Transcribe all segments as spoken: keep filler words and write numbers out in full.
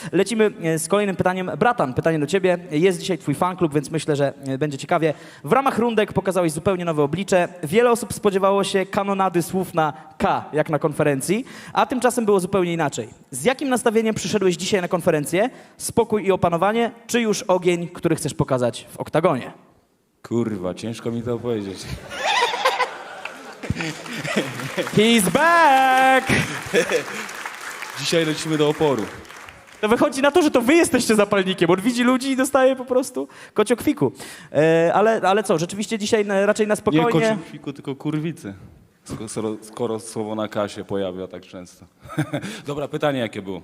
lecimy z kolejnym pytaniem. Bratan, pytanie do ciebie. Jest dzisiaj twój fanklub, więc myślę, że będzie ciekawie. W ramach rundek pokazałeś zupełnie nowe oblicze. Wiele osób spodziewało się kanonady słów na K, jak na konferencji, a tymczasem było zupełnie inaczej. Z jakim nastawieniem przyszedłeś dzisiaj na konferencję? Spokój i opanowanie, czy już ogień, który chcesz pokazać w oktagonie? Kurwa, ciężko mi to opowiedzieć. He's back! Dzisiaj lecimy do oporu. To wychodzi na to, że to wy jesteście zapalnikiem. On widzi ludzi i dostaje po prostu kociokwiku. E, ale, ale co, rzeczywiście dzisiaj na, raczej na Nie spokojnie... kociufiku, tylko kurwicy. Skoro, skoro słowo na K się pojawia tak często. Dobra, pytanie jakie było?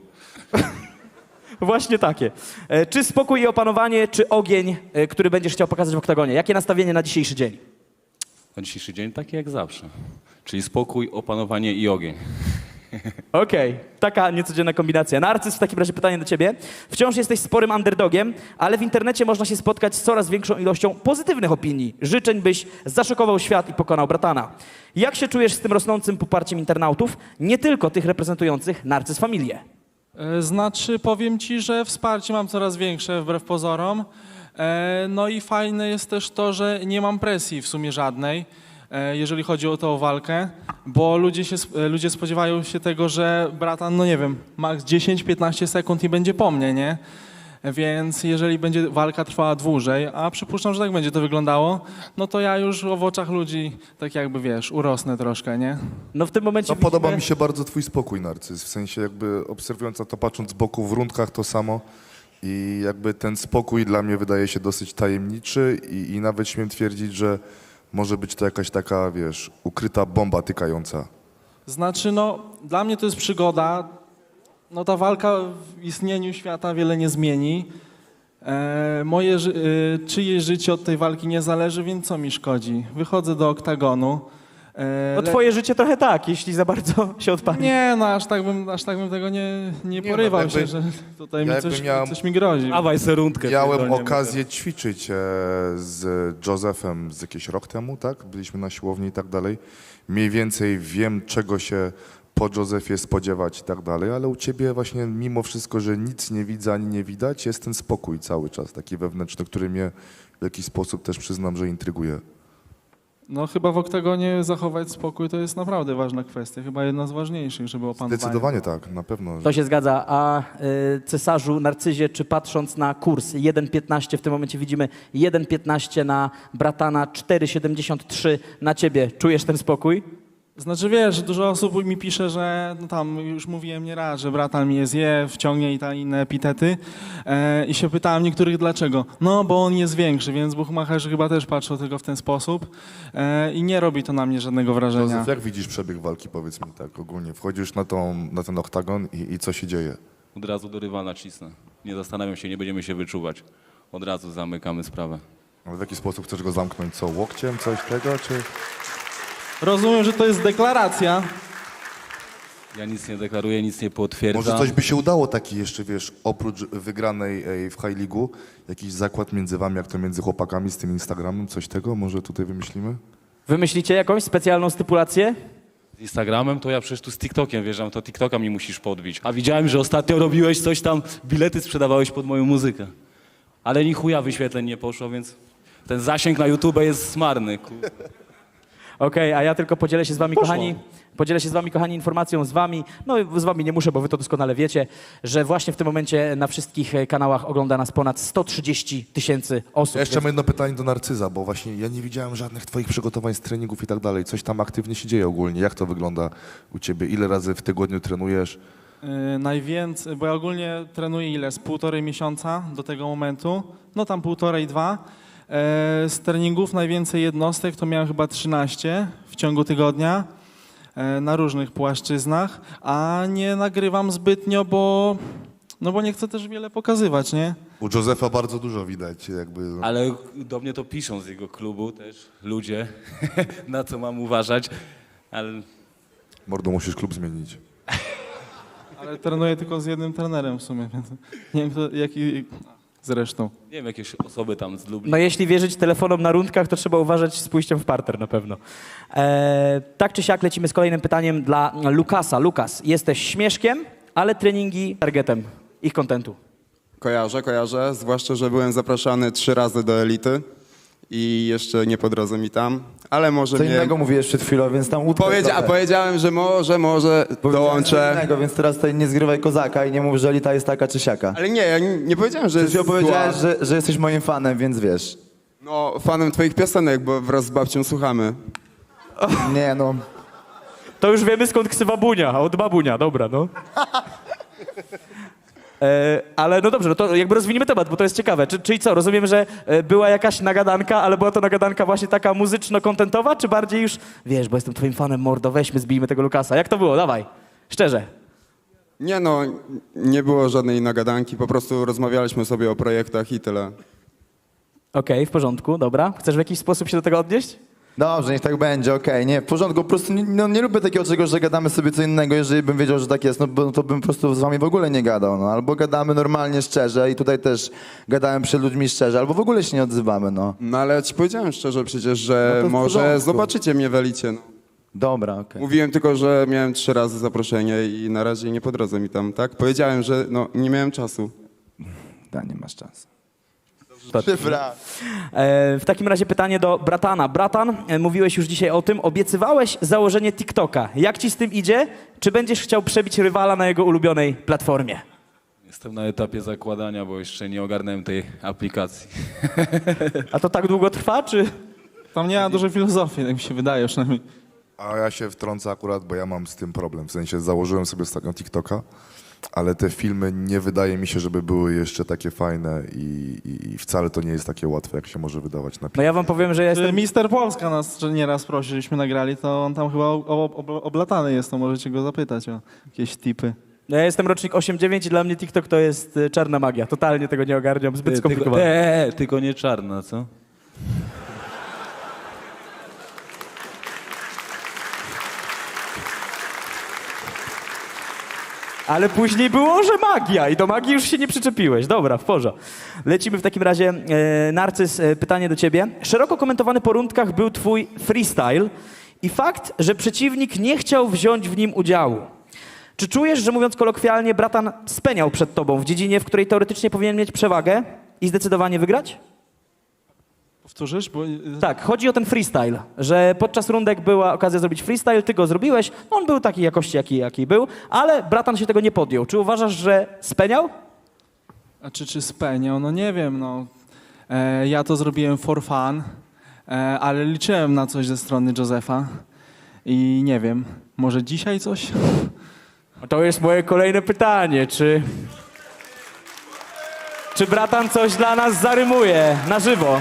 Właśnie takie. E, czy spokój i opanowanie, czy ogień, e, który będziesz chciał pokazać w oktagonie? Jakie nastawienie na dzisiejszy dzień? Na dzisiejszy dzień takie jak zawsze. Czyli spokój, opanowanie i ogień. Okej, taka niecodzienna kombinacja. Narcyz, w takim razie pytanie do ciebie. Wciąż jesteś sporym underdogiem, ale w internecie można się spotkać z coraz większą ilością pozytywnych opinii. Życzeń, byś zaszokował świat i pokonał bratana. Jak się czujesz z tym rosnącym poparciem internautów, nie tylko tych reprezentujących Narcyz Familię? E, Znaczy, powiem ci, że wsparcie mam coraz większe, wbrew pozorom. E, No i fajne jest też to, że nie mam presji w sumie żadnej, e, jeżeli chodzi o tą walkę, bo ludzie, się, e, ludzie spodziewają się tego, że bratan, no nie wiem, max dziesięć piętnaście sekund i będzie po mnie, nie? Więc jeżeli będzie walka trwała dłużej, a przypuszczam, że tak będzie to wyglądało, no to ja już w oczach ludzi, tak jakby wiesz, urosnę troszkę, nie? No w tym momencie No, podoba widzimy- mi się bardzo twój spokój, Narcyz. W sensie jakby obserwując na to, patrząc z boku w rundkach to samo. I jakby ten spokój dla mnie wydaje się dosyć tajemniczy i, i nawet śmiem twierdzić, że może być to jakaś taka, wiesz, ukryta bomba tykająca. Znaczy, no, dla mnie to jest przygoda. No, ta walka w istnieniu świata wiele nie zmieni. E, moje, ży- e, czyjeś życie od tej walki nie zależy, więc co mi szkodzi? Wychodzę do oktagonu. E, No le- twoje życie trochę tak, jeśli za bardzo się odpali. Nie, no, aż tak bym, aż tak bym tego nie, nie Nie, porywał no, jakby- się, że tutaj ja mi coś, jakby miałem- coś mi grozi. Dawaj serundkę. Miałem pierdolniemy okazję ćwiczyć e, z Josephem z jakiś rok temu, tak? Byliśmy na siłowni i tak dalej. Mniej więcej wiem, czego się po Josephie spodziewać i tak dalej, ale u ciebie właśnie mimo wszystko, że nic nie widzę ani nie widać, jest ten spokój cały czas, taki wewnętrzny, który mnie w jakiś sposób też przyznam, że intryguje. No chyba w oktagonie zachować spokój to jest naprawdę ważna kwestia. Chyba jedna z ważniejszych, żeby opanować. Zdecydowanie tak, na pewno. To się zgadza. A y, cesarzu, Narcyzie, czy patrząc na kurs jeden piętnaście, w tym momencie widzimy jeden piętnaście na bratana, cztery siedemdziesiąt trzy na ciebie. Czujesz ten spokój? Znaczy wiesz, dużo osób mi pisze, że no tam już mówiłem nie raz, że bratan mi je zje, wciągnie i te inne epitety e, i się pytałem niektórych dlaczego. No bo on jest większy, więc buchmacherzy chyba też patrzą tylko w ten sposób e, i nie robi to na mnie żadnego wrażenia. Józef, jak widzisz przebieg walki, powiedz mi tak ogólnie? Wchodzisz na, tą, na ten oktagon i, i co się dzieje? Od razu do rywala cisnę. Nie zastanawiam się, nie będziemy się wyczuwać. Od razu zamykamy sprawę. Ale w jaki sposób chcesz go zamknąć? Co, łokciem, coś tego, czy... Rozumiem, że to jest deklaracja. Ja nic nie deklaruję, nic nie potwierdzam. Może coś by się udało taki jeszcze, wiesz, oprócz wygranej ej, w High League'u, jakiś zakład między wami, jak to między chłopakami z tym Instagramem, coś tego może tutaj wymyślimy? Wymyślicie jakąś specjalną stypulację? Z Instagramem to ja przecież tu z TikTokiem wjeżdżam, to TikToka mi musisz podbić. A widziałem, że ostatnio robiłeś coś tam, bilety sprzedawałeś pod moją muzykę. Ale ni chuja wyświetleń nie poszło, więc ten zasięg na YouTube jest smarny. Kur... Okej, a ja tylko podzielę się z wami, Poszło. kochani, podzielę się z wami, kochani, informacją z wami, no z wami nie muszę, bo wy to doskonale wiecie, że właśnie w tym momencie na wszystkich e, kanałach ogląda nas ponad sto trzydzieści tysięcy osób. Ja jeszcze więc- mam jedno pytanie do Narcyza, bo właśnie ja nie widziałem żadnych twoich przygotowań z treningów i tak dalej. Coś tam aktywnie się dzieje ogólnie. Jak to wygląda u ciebie? Ile razy w tygodniu trenujesz? Yy, najwięcej, bo ja ogólnie trenuję ile? Z półtorej miesiąca do tego momentu. No tam półtorej, dwa. E, z treningów najwięcej jednostek to miałem chyba trzynaście w ciągu tygodnia e, na różnych płaszczyznach, a nie nagrywam zbytnio, bo, no bo nie chcę też wiele pokazywać, nie? U Josefa bardzo dużo widać, jakby... Ale do mnie to piszą z jego klubu też ludzie, na co mam uważać. Ale Mordo, musisz klub zmienić. Ale trenuję tylko z jednym trenerem w sumie, więc nie wiem kto, jaki zresztą. nie wiem, jakieś osoby tam z Lublin. No jeśli wierzyć telefonom na rundkach, to trzeba uważać z pójściem w parter na pewno. E, tak czy siak lecimy z kolejnym pytaniem dla Lukasa. Lukas, jesteś śmieszkiem, ale treningi targetem. ich kontentu. Kojarzę, kojarzę, zwłaszcza, że byłem zapraszany trzy razy do Elity i jeszcze nie po drodze mi tam, ale może Co mnie... innego mówiłeś przed chwilą, więc tam łódkę Powiedzia- a trochę. powiedziałem, że może, może Powiedziałeś co dołączę. innego, więc teraz tutaj nie zgrywaj kozaka i nie mów, że Elita jest taka czy siaka. Ale nie, ja nie, nie powiedziałem, że Przecież jest powiedziałeś, zła. że, że jesteś moim fanem, więc wiesz. No, fanem twoich piosenek, bo wraz z babcią słuchamy. Nie no, To już wiemy skąd ksywa Bunia, od babunia, dobra, no. E, ale no dobrze, no to jakby rozwiniemy temat, bo to jest ciekawe. Czy, czyli co, rozumiem, że e, była jakaś nagadanka, ale była to nagadanka właśnie taka muzyczno-kontentowa, czy bardziej już, wiesz, bo jestem twoim fanem, mordo, weźmy, zbijmy tego Lukasa. Jak to było? Dawaj, szczerze. Nie no, nie było żadnej nagadanki, po prostu rozmawialiśmy sobie o projektach i tyle. Okej, w porządku, dobra. Chcesz w jakiś sposób się do tego odnieść? dobrze, niech tak będzie, okej, nie, w porządku, po prostu nie, no, nie lubię takiego czegoś, że gadamy sobie co innego, jeżeli bym wiedział, że tak jest, no bo, to bym po prostu z wami w ogóle nie gadał, no, albo gadamy normalnie, szczerze i tutaj też gadałem przed ludźmi szczerze, albo w ogóle się nie odzywamy, no. No ale ja ci powiedziałem szczerze przecież, że No to w może porządku. zobaczycie mnie w Elicie. No. Dobra, okej. Mówiłem tylko, że miałem trzy razy zaproszenie i na razie nie po drodze mi tam, tak? Powiedziałem, że no, nie miałem czasu. Da, nie masz czasu. E, w takim razie pytanie do Bratana. Bratan, e, mówiłeś już dzisiaj o tym, obiecywałeś założenie TikToka. Jak ci z tym idzie? Czy będziesz chciał przebić rywala na jego ulubionej platformie? Jestem na etapie zakładania, bo jeszcze nie ogarnąłem tej aplikacji. A to tak długo trwa, czy... Tam nie ma dużo filozofii, tak mi się wydaje przynajmniej. A ja się wtrącę akurat, bo ja mam z tym problem. W sensie założyłem sobie ostatnio TikToka, ale te filmy nie wydaje mi się, żeby były jeszcze takie fajne i, i, i wcale to nie jest takie łatwe, jak się może wydawać na No ja wam powiem, że ja jestem... Mister Polska nas nieraz prosi, żebyśmy nagrali, to on tam chyba ob, ob, oblatany jest, to możecie go zapytać o jakieś tipy. No ja jestem rocznik osiem dziewięć i dla mnie TikTok to jest e, czarna magia. Totalnie tego nie ogarniam, zbyt Tylko, skomplikowane. e, e, tylko nie czarna, co? Ale później było, że magia i do magii już się nie przyczepiłeś. Dobra, w porządku. Lecimy w takim razie. E, Narcyz, e, pytanie do ciebie. Szeroko komentowany po rundkach był twój freestyle i fakt, że przeciwnik nie chciał wziąć w nim udziału. Czy czujesz, że mówiąc kolokwialnie, bratan speniał przed tobą w dziedzinie, w której teoretycznie powinien mieć przewagę i zdecydowanie wygrać? Powtórzysz? Bo... Tak, chodzi o ten freestyle, że podczas rundek była okazja zrobić freestyle, ty go zrobiłeś, on był takiej jakości, jaki, jaki był, ale bratan się tego nie podjął. Czy uważasz, że speniał? A czy, czy speniał? No nie wiem, no. E, ja to zrobiłem for fun, e, ale liczyłem na coś ze strony Josefa i nie wiem, może dzisiaj coś? To jest moje kolejne pytanie, czy... Czy bratan coś dla nas zarymuje na żywo?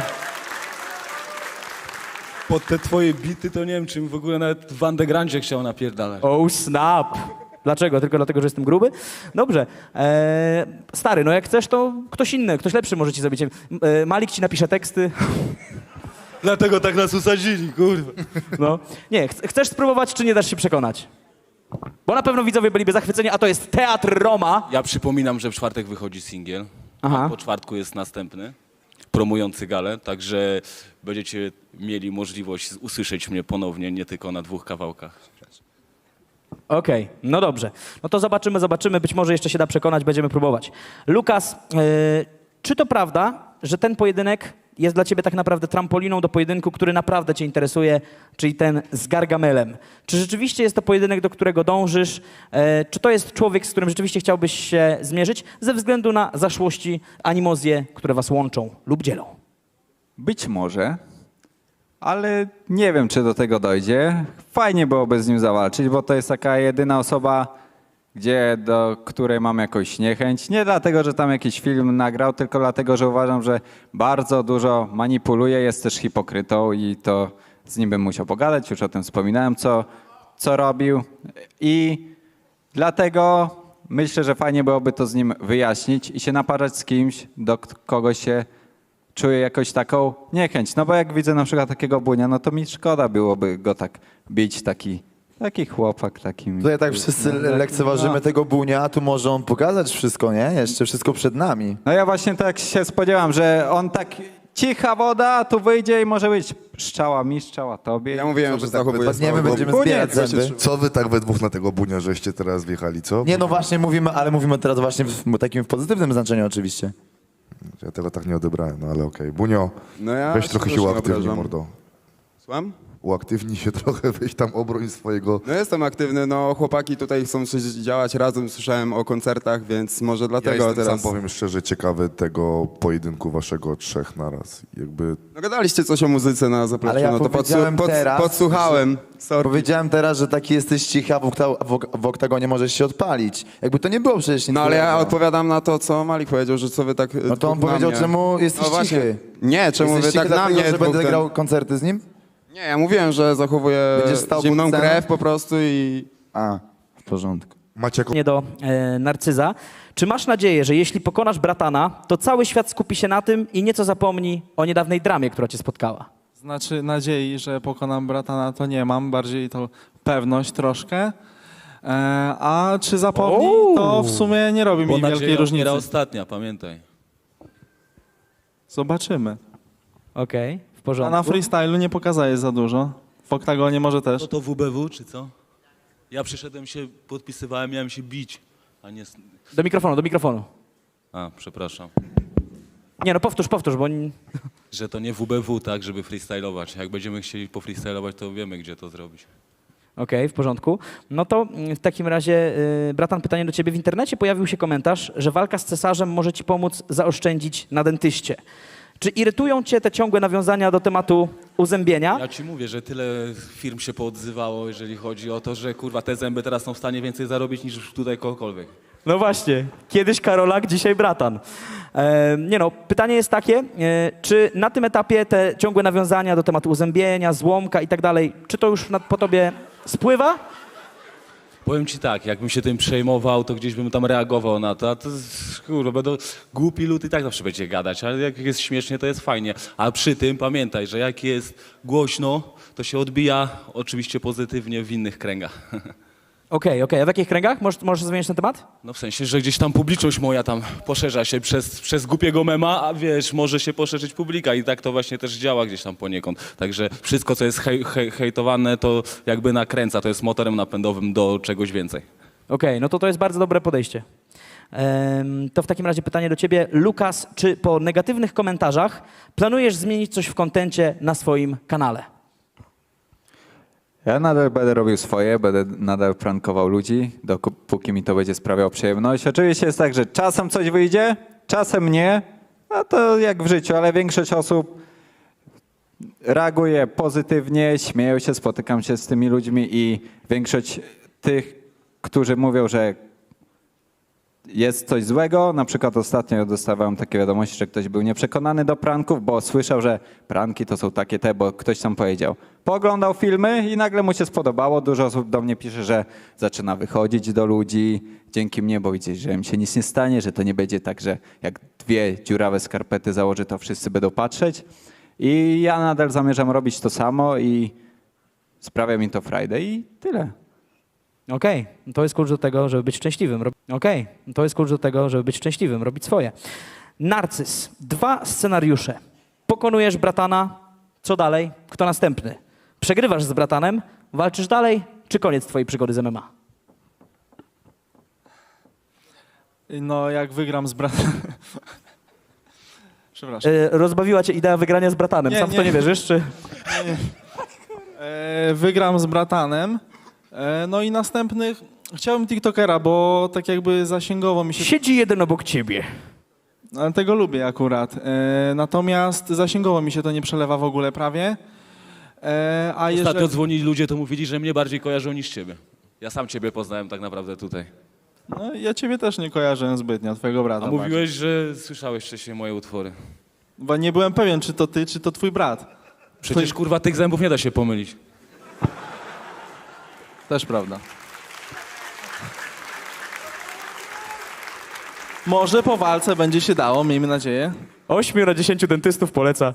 Pod te twoje bity to nie wiem, czym w ogóle nawet w undergroundzie chciał napierdalać. Oh snap! Dlaczego? Tylko dlatego, że jestem gruby? Dobrze. Eee, stary, no jak chcesz, to ktoś inny, ktoś lepszy może ci zrobić. Eee, Malik ci napisze teksty. Dlatego tak nas usadzili, kurwa. No. Nie, ch- chcesz spróbować, czy nie dasz się przekonać? Bo na pewno widzowie byliby zachwyceni, a to jest Teatr Roma. Ja przypominam, że w czwartek wychodzi singiel, Aha. a po czwartku jest następny, promujący galę, także będziecie mieli możliwość usłyszeć mnie ponownie, nie tylko na dwóch kawałkach. Okej, no dobrze. No to zobaczymy, zobaczymy. Być może jeszcze się da przekonać, będziemy próbować. Lukas, e, czy to prawda, że ten pojedynek jest dla ciebie tak naprawdę trampoliną do pojedynku, który naprawdę cię interesuje, czyli ten z Gargamelem? Czy rzeczywiście jest to pojedynek, do którego dążysz? E, czy to jest człowiek, z którym rzeczywiście chciałbyś się zmierzyć ze względu na zaszłości, animozje, które was łączą lub dzielą? Być może, ale nie wiem, czy do tego dojdzie. Fajnie byłoby z nim zawalczyć, bo to jest taka jedyna osoba, gdzie, do której mam jakąś niechęć. Nie dlatego, że tam jakiś film nagrał, tylko dlatego, że uważam, że bardzo dużo manipuluje, jest też hipokrytą i to z nim bym musiał pogadać. Już o tym wspominałem, co, co robił. I dlatego myślę, że fajnie byłoby to z nim wyjaśnić i się naparzać z kimś, do k- kogo się czuję jakoś taką niechęć. No bo jak widzę na przykład takiego Bunia, no to mi szkoda byłoby go tak bić, taki, taki chłopak, taki... Tutaj tak wszyscy no, lekceważymy no. tego Bunia, a tu może on pokazać wszystko, nie? Jeszcze wszystko przed nami. No ja właśnie tak się spodziewam, że on tak cicha woda, a tu wyjdzie i może być szczała mi, szczała tobie. Ja mówiłem, Co że wy tak zachowuję Padniemy, słowo. będziemy Koniec, zbierać co się zęby. trzyma. Co wy tak we dwóch na tego bunia, żeście teraz wjechali, co? Nie, no właśnie mówimy, ale mówimy teraz właśnie w takim w pozytywnym znaczeniu oczywiście. Ja tego tak nie odebrałem, no ale okej. Bunio, No ja weź trochę też się nie uaktywnij, obrażam. mordo. Słucham? Uaktywnij się trochę, weź tam obroń swojego... No jestem aktywny, no chłopaki tutaj chcą coś działać razem, słyszałem o koncertach, więc może Ja dlatego jestem, teraz... sam powiem szczerze, ciekawy tego pojedynku waszego trzech naraz. Jakby... No gadaliście coś o muzyce na zapleczu, Ale ja no to powiedziałem podsu- pod, teraz, podsłuchałem. Sorry. Powiedziałem teraz, że taki jesteś cichy, a w, okta- w, ok- w oktagonie możesz się odpalić. Jakby to nie było przecież nic No ale ja złego. odpowiadam na to, co Malik powiedział, że co wy tak... No to on powiedział, czemu jesteś no właśnie. cichy. Nie, czemu Jesteś wy tak cichy na dlatego, mnie że dwóch będę ten- grał koncerty z nim? Nie, ja mówiłem, że zachowuję Będziesz stał zimną pod sceną? krew po prostu i... A, w porządku. Macie jaką... Nie do e, Narcyza. Czy masz nadzieję, że jeśli pokonasz bratana, to cały świat skupi się na tym i nieco zapomni o niedawnej dramie, która cię spotkała? Znaczy nadziei, że pokonam bratana, to nie mam, bardziej to pewność troszkę. E, a czy zapomni, to w sumie nie robi Bo mi nadzieja wielkiej różnicy. umiera ostatnia, pamiętaj. Zobaczymy. Okej, w A porządku. na freestylu nie pokazuje za dużo. W oktagonie może też. To to W B W, czy co? Ja przyszedłem się, podpisywałem, miałem się bić, a nie... s- Do mikrofonu, do mikrofonu. A, przepraszam. Nie no, powtórz, powtórz, bo... n- Że to nie W B W, tak, żeby freestylować. Jak będziemy chcieli pofreestylować, to wiemy, gdzie to zrobić. Okej, w porządku. No to mm, w takim razie, y, bratan, pytanie do ciebie. W internecie pojawił się komentarz, że walka z cesarzem może ci pomóc zaoszczędzić na dentyście. Czy irytują cię te ciągłe nawiązania do tematu uzębienia? Ja ci mówię, że tyle firm się poodzywało, jeżeli chodzi o to, że kurwa te zęby teraz są w stanie więcej zarobić niż tutaj kogokolwiek. No właśnie, kiedyś Karolak, dzisiaj bratan. E, nie no, pytanie jest takie, e, czy na tym etapie te ciągłe nawiązania do tematu uzębienia, złomka i tak dalej, czy to już na, po tobie spływa? Powiem ci tak, jakbym się tym przejmował, to gdzieś bym tam reagował na to, a to jest, kurwa, będą głupi lud i tak zawsze będzie gadać, ale jak jest śmiesznie, to jest fajnie. A przy tym pamiętaj, że jak jest głośno, to się odbija oczywiście pozytywnie w innych kręgach. Okej, okej, a w jakich kręgach? Możesz, możesz zmienić ten temat? No w sensie, że gdzieś tam publiczność moja tam poszerza się przez, przez głupiego mema, a wiesz, może się poszerzyć publika i tak to właśnie też działa gdzieś tam poniekąd. Także wszystko, co jest hej, hej, hejtowane, to jakby nakręca, to jest motorem napędowym do czegoś więcej. Okej, no to to jest bardzo dobre podejście. Em, to w takim razie pytanie do ciebie. Lukas, czy po negatywnych komentarzach planujesz zmienić coś w kontencie na swoim kanale? Ja nadal będę robił swoje, będę nadal prankował ludzi, dopóki mi to będzie sprawiało przyjemność. Oczywiście jest tak, że czasem coś wyjdzie, czasem nie, a to jak w życiu, ale większość osób reaguje pozytywnie, śmieją się, spotykam się z tymi ludźmi i większość tych, którzy mówią, że jest coś złego, na przykład ostatnio dostawałem takie wiadomości, że ktoś był nieprzekonany do pranków, bo słyszał, że pranki to są takie te, bo ktoś tam powiedział. Pooglądał filmy i nagle mu się spodobało. Dużo osób do mnie pisze, że zaczyna wychodzić do ludzi dzięki mnie, bo widzieć, że im się nic nie stanie, że to nie będzie tak, że jak dwie dziurawe skarpety założy, to wszyscy będą patrzeć. I ja nadal zamierzam robić to samo i sprawia mi to frajdę i tyle. Okej, to jest klucz do tego, żeby być szczęśliwym. Rob- Okej, to jest klucz do tego, żeby być szczęśliwym, robić swoje. Narcyz, dwa scenariusze. Pokonujesz bratana, co dalej? Kto następny? Przegrywasz z bratanem, walczysz dalej, czy koniec twojej przygody z M M A? No jak wygram z bratanem... Przepraszam. E, rozbawiła cię idea wygrania z bratanem. Nie, Sam w to nie. nie wierzysz, czy... E, wygram z bratanem. E, no i następnych... Chciałbym TikTokera, bo tak jakby zasięgowo mi się... Siedzi jeden obok ciebie. Ale tego lubię akurat. E, natomiast zasięgowo mi się to nie przelewa w ogóle prawie. E, a Ostatnio jeżeli... dzwonili ludzie, to mówili, że mnie bardziej kojarzą niż ciebie. Ja sam ciebie poznałem tak naprawdę tutaj. No, ja ciebie też nie kojarzę zbytnio, twojego brata. A bardziej. mówiłeś, że słyszałeś wcześniej moje utwory. Bo nie byłem pewien, czy to ty, czy to twój brat. Przecież kurwa tych zębów nie da się pomylić. Też prawda. Może po walce będzie się dało, miejmy nadzieję. Ośmiu na dziesięciu dentystów poleca.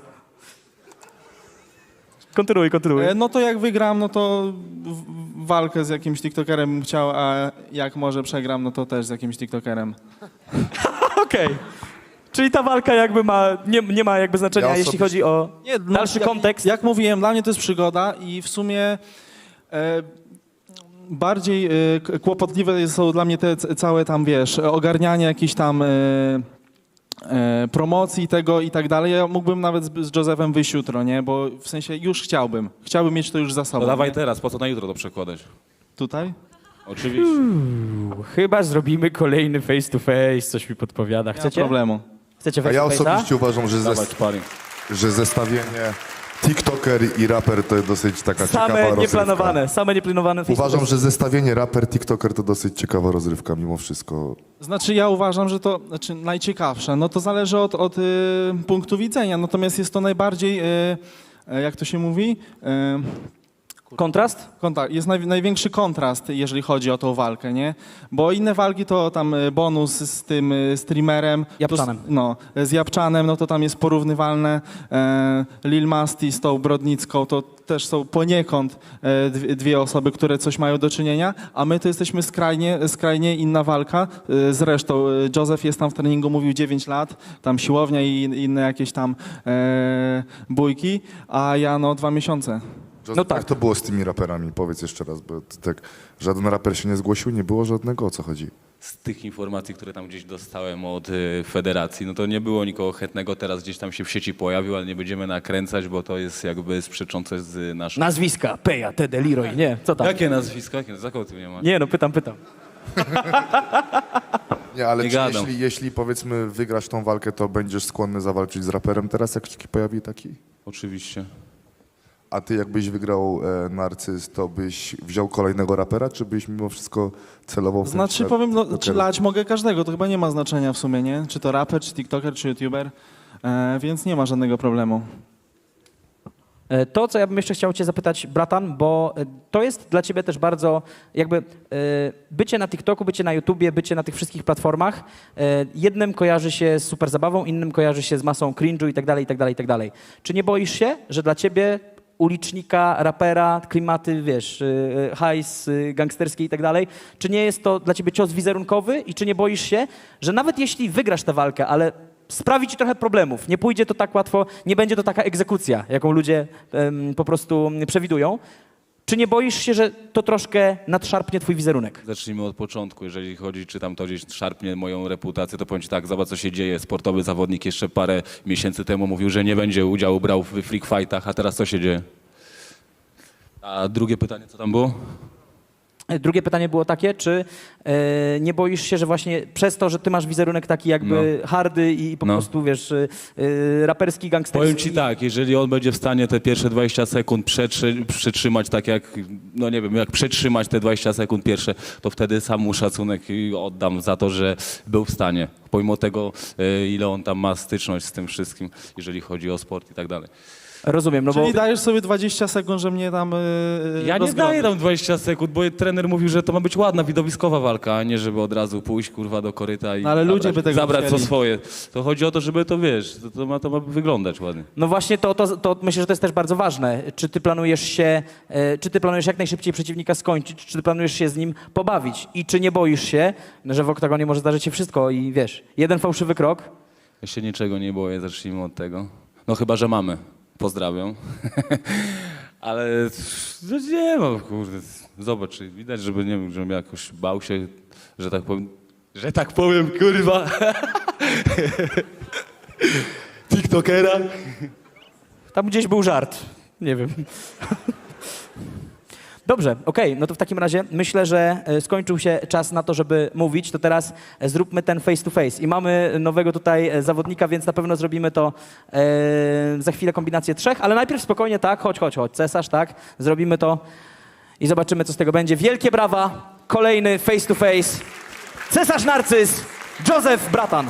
Kontynuuj, kontynuuj. E, no to jak wygram, no to w- walkę z jakimś TikTokerem bym chciał, a jak może przegram, no to też z jakimś TikTokerem. Okej. Czyli ta walka jakby ma, nie, nie ma jakby znaczenia, Ja jeśli osobiście- chodzi o Nie, no, dalszy jak, kontekst. Jak mówiłem, dla mnie to jest przygoda i w sumie e, bardziej e, k- kłopotliwe są dla mnie te c- całe tam, wiesz, ogarnianie jakichś tam e, e, promocji tego i tak dalej. Ja mógłbym nawet z, z Josephem wyjść jutro, nie? Bo w sensie już chciałbym. Chciałbym mieć to już za sobą. To dawaj nie? teraz, po co na jutro to przekładać? Tutaj? Oczywiście. Chyba zrobimy kolejny face to face, coś mi podpowiada. Nie ma Chcecie? problemu. Chcecie A face ja to face'a? osobiście uważam, że, Dawaj, zes- sparring. że zestawienie TikToker i raper to jest dosyć taka ciekawa Same rozrywka. nieplanowane, same nieplanowane face to Uważam, face. że zestawienie raper-TikToker to dosyć ciekawa rozrywka mimo wszystko. Znaczy ja uważam, że to znaczy najciekawsze. No to zależy od, od y, punktu widzenia. Natomiast jest to najbardziej, y, y, jak to się mówi? Y, Kontrast? Konta- jest naj, największy kontrast, jeżeli chodzi o tą walkę, nie? Bo inne walki to tam y, bonus z tym y, streamerem. Japczanem. To, s- no, z Japczanem, no to tam jest porównywalne. E, Lil Masti z tą Brodnicką, to też są poniekąd e, dwie, dwie osoby, które coś mają do czynienia, a my to jesteśmy skrajnie, skrajnie inna walka. E, zresztą e, Joseph jest tam w treningu, mówił dziewięć lat, tam siłownia i inne jakieś tam e, bójki, a ja no dwa miesiące. Joseph, No tak. Jak to było z tymi raperami? Powiedz jeszcze raz, bo to tak żaden raper się nie zgłosił, nie było żadnego, o co chodzi? Z tych informacji, które tam gdzieś dostałem od y, federacji, no to nie było nikogo chętnego, teraz gdzieś tam się w sieci pojawił, ale nie będziemy nakręcać, bo to jest jakby sprzeczące z naszą... Nazwiska, Peja, Tede, Leroy, nie, co tam? Jakie nazwisko? Jakie? Za kogo ty nie masz? Nie no, pytam, pytam. Nie, ale Nie czy gadam. jeśli, jeśli powiedzmy wygrasz tą walkę, to będziesz skłonny zawalczyć z raperem teraz, jak się pojawi taki? Oczywiście. A ty jakbyś wygrał e, Narcyz, to byś wziął kolejnego rapera, czy byś mimo wszystko celował w ten Znaczy świat powiem, no, TikTokera? czy lać mogę każdego, to chyba nie ma znaczenia w sumie, nie? Czy to raper, czy tiktoker, czy youtuber, e, więc nie ma żadnego problemu. E, To, co ja bym jeszcze chciał cię zapytać, bratan, bo e, to jest dla ciebie też bardzo jakby e, bycie na TikToku, bycie na YouTubie, bycie na tych wszystkich platformach, e, jednym kojarzy się z super zabawą, innym kojarzy się z masą cringe'u i tak dalej, i tak dalej, i tak dalej. Czy nie boisz się, że dla ciebie ulicznika, rapera, klimaty, wiesz, y, hajs y, gangsterski i tak dalej, czy nie jest to dla ciebie cios wizerunkowy i czy nie boisz się, że nawet jeśli wygrasz tę walkę, ale sprawi ci trochę problemów, nie pójdzie to tak łatwo, nie będzie to taka egzekucja, jaką ludzie em, po prostu przewidują, czy nie boisz się, że to troszkę nadszarpnie twój wizerunek? Zacznijmy od początku. Jeżeli chodzi, czy tam to gdzieś szarpnie moją reputację, to powiem ci tak, zobacz co się dzieje. Sportowy zawodnik jeszcze parę miesięcy temu mówił, że nie będzie udziału brał w freak fightach, a teraz co się dzieje? A drugie pytanie, co tam było? Drugie pytanie było takie, czy e, nie boisz się, że właśnie przez to, że ty masz wizerunek taki jakby hardy i po No. prostu, wiesz, e, e, raperski, gangsterski. Powiem ci tak, jeżeli on będzie w stanie te pierwsze dwadzieścia sekund przetrzy, przetrzymać tak jak, no nie wiem, jak przetrzymać te dwadzieścia sekund pierwsze, to wtedy sam mu szacunek oddam za to, że był w stanie. Pomimo tego, e, ile on tam ma styczność z tym wszystkim, jeżeli chodzi o sport i tak dalej. Rozumiem, no Czyli bo dajesz sobie dwadzieścia sekund, że mnie tam yy, Ja nie daję tam dwadzieścia sekund, bo trener mówił, że to ma być ładna, widowiskowa walka, a nie żeby od razu pójść kurwa do koryta i No ale ludzie zabrać, by tego zabrać co chcieli. swoje. To chodzi o to, żeby to wiesz, to, to, ma, to ma wyglądać ładnie. no właśnie to, to, to myślę, że to jest też bardzo ważne. Czy ty planujesz się, e, czy ty planujesz jak najszybciej przeciwnika skończyć, czy ty planujesz się z nim pobawić i czy nie boisz się, że w oktagonie może zdarzyć się wszystko i wiesz, jeden fałszywy krok. Ja się niczego nie boję, zacznijmy od tego. No chyba, że mamy. Pozdrawiam. Ale no nie no, kurde, zobacz, widać, żeby nie wiem, żebym jakoś bał się, że tak powiem, że tak powiem, kurwa, tiktokera. Tam gdzieś był żart, nie wiem. Dobrze, okej, no to w takim razie myślę, że e, skończył się czas na to, żeby mówić, to teraz e, zróbmy ten face to face. I mamy nowego tutaj e, zawodnika, więc na pewno zrobimy to e, za chwilę kombinację trzech, ale najpierw spokojnie, tak, chodź, chodź, chodź, cesarz, tak, zrobimy to i zobaczymy, co z tego będzie. Wielkie brawa, kolejny face to face. Cesarz Narcyz, Joseph Bratan.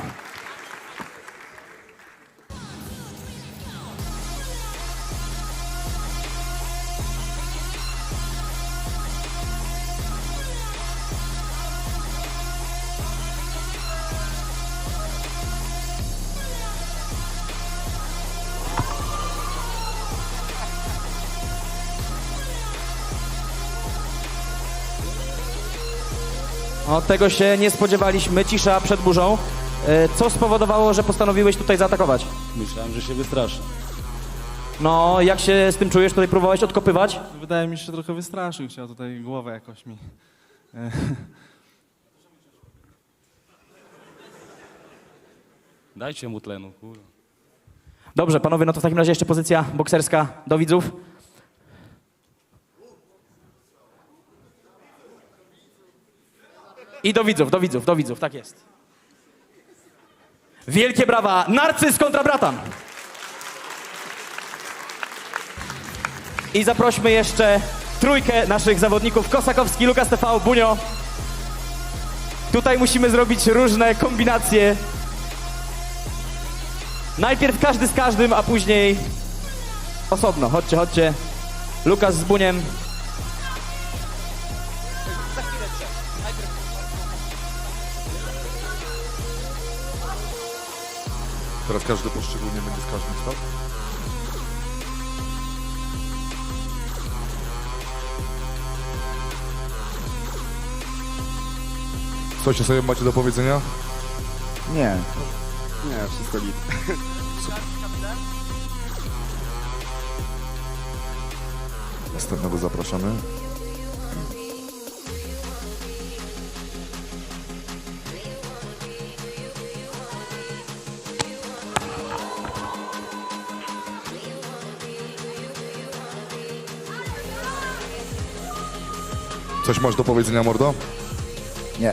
O, tego się nie spodziewaliśmy. Cisza przed burzą. E, Co spowodowało, że postanowiłeś tutaj zaatakować? Myślałem, że się wystraszę. No, jak się z tym czujesz? Tutaj próbowałeś odkopywać? Wydaje mi się, że trochę wystraszył, chciał tutaj głowę jakoś mi. e, Dajcie mu tlenu, kurwa. Dobrze, panowie, no to w takim razie jeszcze pozycja bokserska do widzów. I do widzów, do widzów, do widzów, tak jest. Wielkie brawa, Narcyz kontra Bratan. I zaprośmy jeszcze trójkę naszych zawodników, Kosakowski, Lukas T V, Bunio. Tutaj musimy zrobić różne kombinacje. Najpierw każdy z każdym, a później osobno. Chodźcie, chodźcie. Lukas z Buniem. Teraz każdy poszczególnie będzie z każdym stał? Coś sobie macie do powiedzenia? Nie. Nie, wszystko git. Następnego zapraszamy. Coś masz do powiedzenia, mordo? Nie.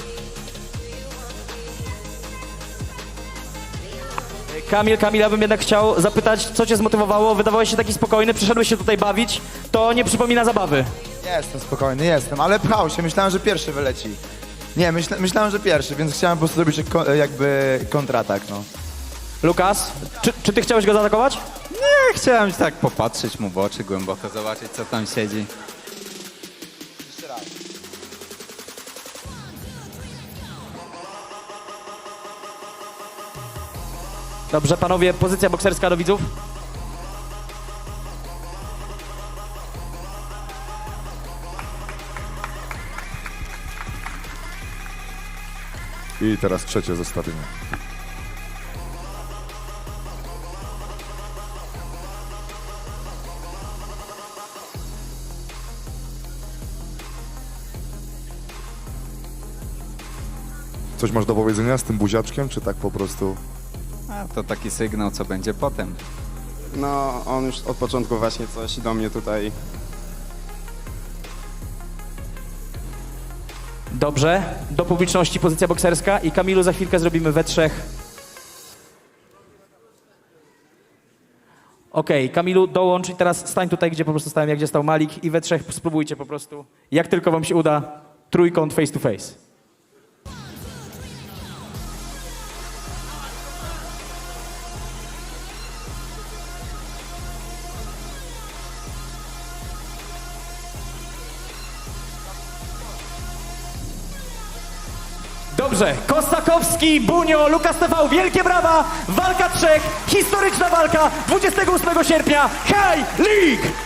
Kamil, Kamil, ja bym jednak chciał zapytać, co cię zmotywowało? Wydawałeś się taki spokojny, przyszedłeś się tutaj bawić. To nie przypomina zabawy. Jestem spokojny, jestem, ale pchał się, myślałem, że pierwszy wyleci. Nie, myśla, myślałem, że pierwszy, więc chciałem po prostu zrobić ko- jakby kontratak, no. Lukas, czy, czy ty chciałeś go zaatakować? Nie, chciałem tak popatrzeć mu w oczy głęboko, zobaczyć co tam siedzi. Dobrze, panowie, pozycja bokserska do widzów. I teraz trzecie zestawienie. Coś masz do powiedzenia z tym buziaczkiem, czy tak po prostu? A to taki sygnał, co będzie potem. No, on już od początku właśnie coś do mnie tutaj. Dobrze, do publiczności pozycja bokserska i Kamilu za chwilkę zrobimy we trzech. Okej, Kamilu, dołącz i teraz stań tutaj, gdzie po prostu stałem, jak gdzie stał Malik i we trzech spróbujcie po prostu, jak tylko wam się uda, trójkąt face to face. Dobrze, Kosakowski, Bunio, Lukas T V, wielkie brawa, walka trzech, historyczna walka, dwudziestego ósmego sierpnia, High League!